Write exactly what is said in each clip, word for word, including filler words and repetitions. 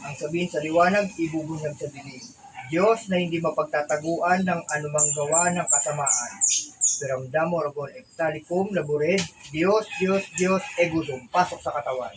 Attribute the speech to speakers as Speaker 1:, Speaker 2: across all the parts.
Speaker 1: ang sabihin sa liwanag, ibubunyag sa dilim. Diyos na hindi mapagtataguan ng anumang gawa ng kasamaan. Piramdam mo, Rabon, Eptalikum, Labured, Diyos, Diyos, Diyos, Egusum, pasok sa katawan.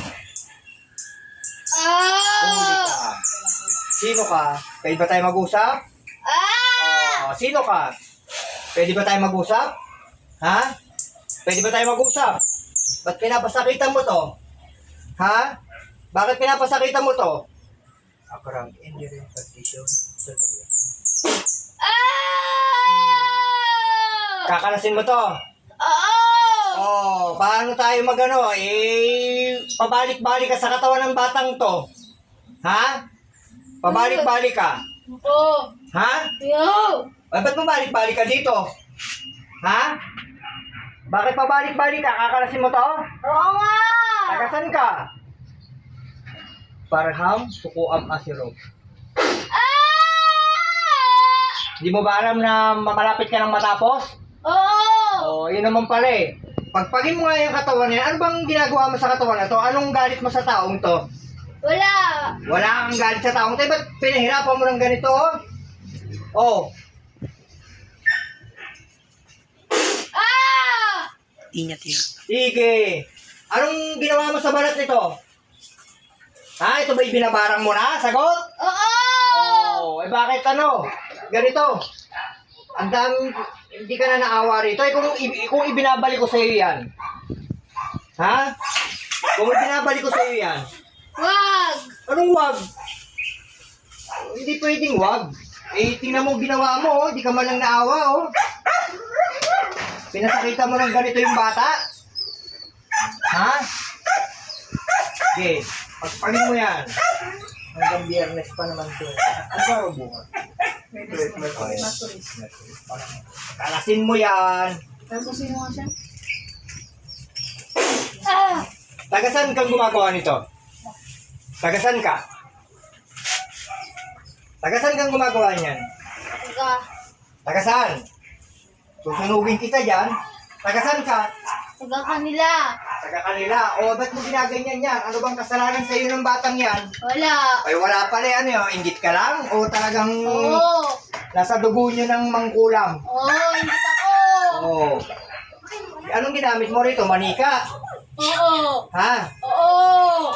Speaker 1: Huli ka. Sino ka? Pwede ba tayo mag-usap? Oh, sino ka? Pwede ba tayo mag-usap? Ha? Pwede ba tayo mag-usap? Ba't pinapasakitan mo to? Ha? Bakit pinapasakitan mo to? Akarang enduring partition. Kakalasin mo to? Oh, paano tayo magano? Eh, pabalik-balik ka sa katawan ng batang to. Ha? Pabalik-balik ka.
Speaker 2: Oo.
Speaker 1: Ha?
Speaker 2: Yo.
Speaker 1: Ay, ba't pabalik-balik ka dito? Ha? Bakit pabalik-balik ka? Kakalasin mo to?
Speaker 2: Oo nga.
Speaker 1: Tagasan ka? Parham, sukuam asiro. Di mo ba alam na malapit ka ng matapos?
Speaker 2: Oo.
Speaker 1: Oh, yun naman pala eh. Pagpagin mo nga yung katawan niya, ano bang ginagawa mo sa katawan na to? Anong galit mo sa taong to?
Speaker 2: Wala.
Speaker 1: Wala kang galit sa taong to. Eh, ba't pinahirapan mo ng ganito? Oh.
Speaker 2: Ah!
Speaker 3: Ingat yun.
Speaker 1: Sige. Anong ginawa mo sa balat nito? Ha? Ito ba'y binabarang mo na? Sagot?
Speaker 2: Oo.
Speaker 1: Oh, eh bakit ano? Ganito. Ang dami, hindi ka na naawa rito. Eh kung, i- kung ibinabalik ko sa iyo yan. Ha? Kung ibinabalik ko sa iyo yan.
Speaker 2: Wag.
Speaker 1: Anong wag? Hindi pwedeng wag. Eh, tingnan mo ginawa mo, oh. Di ka man lang naawa, oh. Pinasakita mo ng ganito yung bata. Ha? Okay. Pagpagin mo yan. Hanggang biyernes pa naman ito. Ano ba ang bunga? Kalasin mo yan.
Speaker 2: Ah!
Speaker 1: Tagasan kang gumagawa nito? Tagasan ka? Tagasan kang gumagawa niyan?
Speaker 2: Taga.
Speaker 1: Tagasan? Susunugin kita dyan. Tagasan ka?
Speaker 2: Taga kanila.
Speaker 1: Taga kanila. O, ba't mo ginaganyan yan? Ano bang kasalanan sa iyo ng batang yan?
Speaker 2: Wala.
Speaker 1: Ay, wala pala yan. Eh. Ingit ka lang? O talagang
Speaker 2: Oo.
Speaker 1: nasa dugo niyo ng mangkulam?
Speaker 2: Oo, hindi ako.
Speaker 1: Oo. Anong ginamit mo rito? Manika?
Speaker 2: Oo.
Speaker 1: Ha?
Speaker 2: Oo.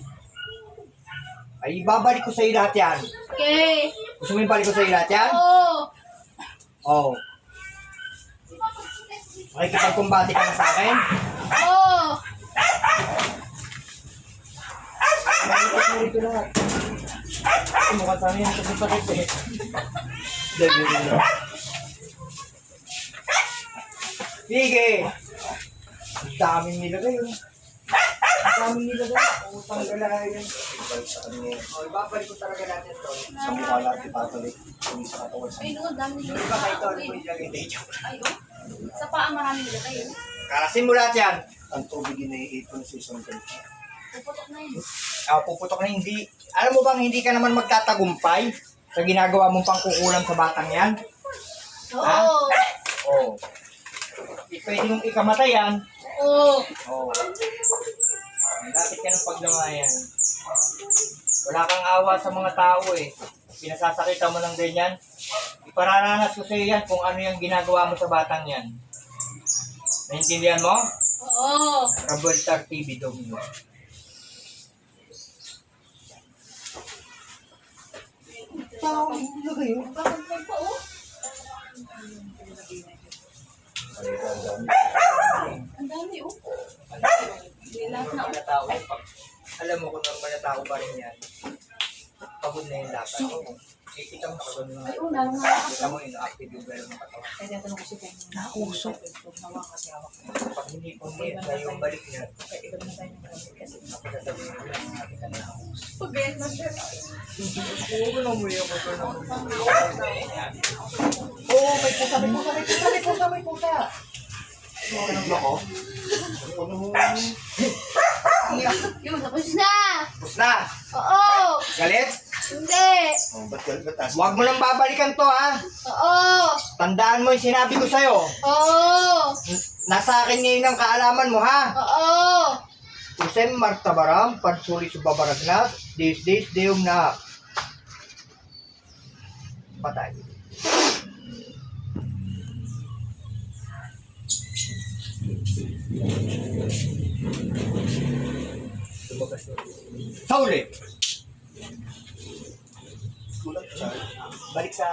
Speaker 1: Ay, babalik ko sa iyo lahat yan.
Speaker 2: Okay.
Speaker 1: Gusto mo yung balik ko sa iyo lahat yan?
Speaker 2: Oo.
Speaker 1: Oo. Makikipagkumbati ka na sa akin?
Speaker 2: Oo.
Speaker 1: Malipas mo rito lahat. Ay, mukhang sana yan kasi sakit eh. Dali mo. Sige! Ang daming nilagay yun. Ang daming nilagay. Ang tanggalay yun. O, ibabalik ko talaga natin ito.
Speaker 3: Sa mukha lahat ipapalik. Kung sa katawan sa
Speaker 2: Ay, no, dami
Speaker 1: Ano
Speaker 2: nila.
Speaker 1: ba kayo ito? Ano mo nilagay dito?
Speaker 2: Ay, oh. Sa paa marami nila tayo.
Speaker 1: Kalasin mo lahat yan.
Speaker 3: ang tubig iniipon sa isang ganito.
Speaker 2: Puputok na yun.
Speaker 1: Ah, puputok na hindi. Alam mo bang hindi ka naman magtatagumpay sa ginagawa mong pangkukulam sa batang yan?
Speaker 2: Oo.
Speaker 1: Oo. Di pwede mong ikamatay yan.
Speaker 2: Oo.
Speaker 1: Oo. Lapit ka ng paglamayan. Wala kang awa sa mga tao eh. Pinasasakita mo ng ganyan. Ipararanas ko sa iyo yan kung ano yung ginagawa mo sa batang yan. Naintindihan mo?
Speaker 2: Oo.
Speaker 1: Raboltar T V Domino. Tao, ano kayo?
Speaker 2: Bakit may pa, oh? Ang dami, oh. Lahat na,
Speaker 1: Mga tao, pag, alam mo kung normal na tao pa rin yan, pagod na yung lakas. Oo. Kikita mo nakagano na.
Speaker 2: Ay, oh, lalo nga.
Speaker 1: Kita mo yung active yung gano'n ng katawan.
Speaker 2: Kaya natanong ko si Pen.
Speaker 3: Nakusok.
Speaker 1: Pag hindi po niya na yung balik niya,
Speaker 2: Kaya iba na tayo ng kasi kasi.
Speaker 1: napagsasabihin mo lang natin na nakus.
Speaker 2: Pag-get na siya.
Speaker 1: Oo, ko na mo yung motor na mo. Oo, may pusa, may pusa, may pusa, may pusa, may pusa. Ano ng loko? Ano mo?
Speaker 2: Yun, tapos na.
Speaker 1: Tapos na.
Speaker 2: Oo.
Speaker 1: Galit?
Speaker 2: Hindi.
Speaker 3: Oh, ba't ka, ba't taas?
Speaker 1: Huwag mo nang babalikan to ha.
Speaker 2: Oo.
Speaker 1: Tandaan mo yung sinabi ko sa'yo.
Speaker 2: Oo.
Speaker 1: Nasa akin ngayon ang kaalaman mo ha.
Speaker 2: Oo.
Speaker 1: Usem martabaram, pansuri subabaragnas, dis dis deum na. Patay. Sa uli.
Speaker 3: Kulang siya.
Speaker 1: Balik sa